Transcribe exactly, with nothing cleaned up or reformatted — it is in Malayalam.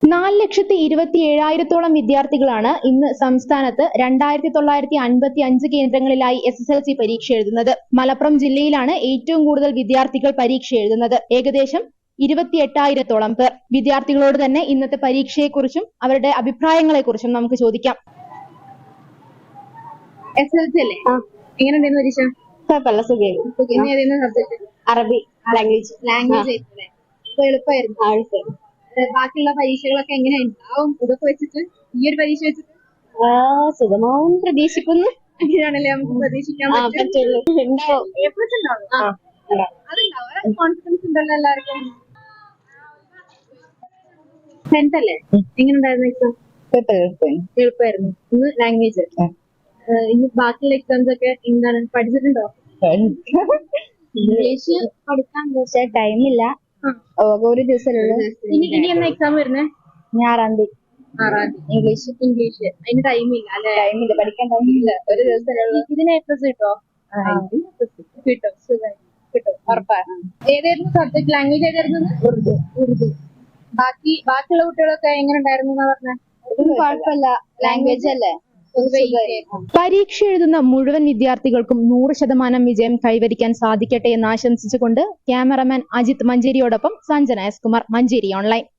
നാല് ലക്ഷത്തി ഇരുപത്തി ഏഴായിരത്തോളം വിദ്യാർത്ഥികളാണ് ഇന്ന് സംസ്ഥാനത്ത് രണ്ടായിരത്തി തൊള്ളായിരത്തി അൻപത്തി അഞ്ച് കേന്ദ്രങ്ങളിലായി എസ് എസ് എൽ സി പരീക്ഷ എഴുതുന്നത്. മലപ്പുറം ജില്ലയിലാണ് ഏറ്റവും കൂടുതൽ വിദ്യാർത്ഥികൾ പരീക്ഷ എഴുതുന്നത്. ഏകദേശം ഇരുപത്തി എട്ടായിരത്തോളം പേർ. വിദ്യാർത്ഥികളോട് തന്നെ ഇന്നത്തെ പരീക്ഷയെക്കുറിച്ചും അവരുടെ അഭിപ്രായങ്ങളെക്കുറിച്ചും നമുക്ക് ചോദിക്കാം. എസ് എൽ സി അല്ലേ? എങ്ങനെ ഉണ്ടായിരുന്നു പരീക്ഷ? കുഴപ്പമില്ല, സുഖമായിരുന്നു. സബ്ജക്ട് അറബി ലാംഗ്വേജ് ലാംഗ്വേജ് ആയിരുന്നല്ലേ? അപ്പൊ എളുപ്പമായിരുന്നു. ബാക്കിയുള്ള പരീക്ഷകളൊക്കെ എങ്ങനെയുണ്ടാവും ഇതൊക്കെ വെച്ചിട്ട്? ഈ ഒരു പരീക്ഷ വെച്ചിട്ട് സുഖമാവും പ്രതീക്ഷിക്കുന്നു. അങ്ങനെയാണല്ലേ നമുക്ക് പ്രതീക്ഷിക്കാൻ പറ്റുള്ളൂ. എ പ്ലസ് ഉണ്ടാവും, അതുണ്ടാവും. കോൺഫിഡൻസ് ഉണ്ടല്ലോ എല്ലാവർക്കും. ടെൻത്ത് അല്ലേ? എങ്ങനെ ഉണ്ടായിരുന്നു എക്സാം? എളുപ്പമായിരുന്നു. ഇന്ന് ലാംഗ്വേജ്. ഇനി ബാക്കിയുള്ള എക്സാംസ് ഒക്കെ എന്താണ്, പഠിച്ചിട്ടുണ്ടോ? ഇംഗ്ലീഷ് പഠിക്കാൻ പക്ഷേ ടൈമില്ല, ഒരു ദിവസമുള്ളൂ. ഇനി ഇനി എന്നാ എക്സാം വരുന്നേ? ഞാറാം തീയതി. ആറാം തീയതി. ഇംഗ്ലീഷ് ഇംഗ്ലീഷ് അതിന് ടൈമില്ല അല്ലെ? ടൈമില്ല, പഠിക്കാൻ ടൈമില്ല, ഒരു ദിവസമുള്ളൂ. ഇതിന് എ പ്ലസ് കിട്ടോ? കിട്ടും, സുഖമായി കിട്ടും, ഉറപ്പാണ്. ഏതായിരുന്നു സബ്ജക്ട്? ലാംഗ്വേജ് ഏതായിരുന്നു? ഉറുദു. ഉറുദു. ബാക്കി ബാക്കിയുള്ള കുട്ടികളൊക്കെ എങ്ങനെ ഉണ്ടായിരുന്നു എന്നാ പറഞ്ഞ? കുഴപ്പമില്ല, ലാംഗ്വേജ് അല്ലേ. പരീക്ഷ എഴുതുന്ന മുഴുവൻ വിദ്യാർത്ഥികൾക്കും നൂറ് ശതമാനം വിജയം കൈവരിക്കാൻ സാധിക്കട്ടെ എന്ന് ആശംസിച്ചുകൊണ്ട് ക്യാമറമാൻ അജിത് മഞ്ചേരിയോടൊപ്പം സഞ്ജന എസ് കുമാർ, മഞ്ചേരി ഓൺലൈൻ.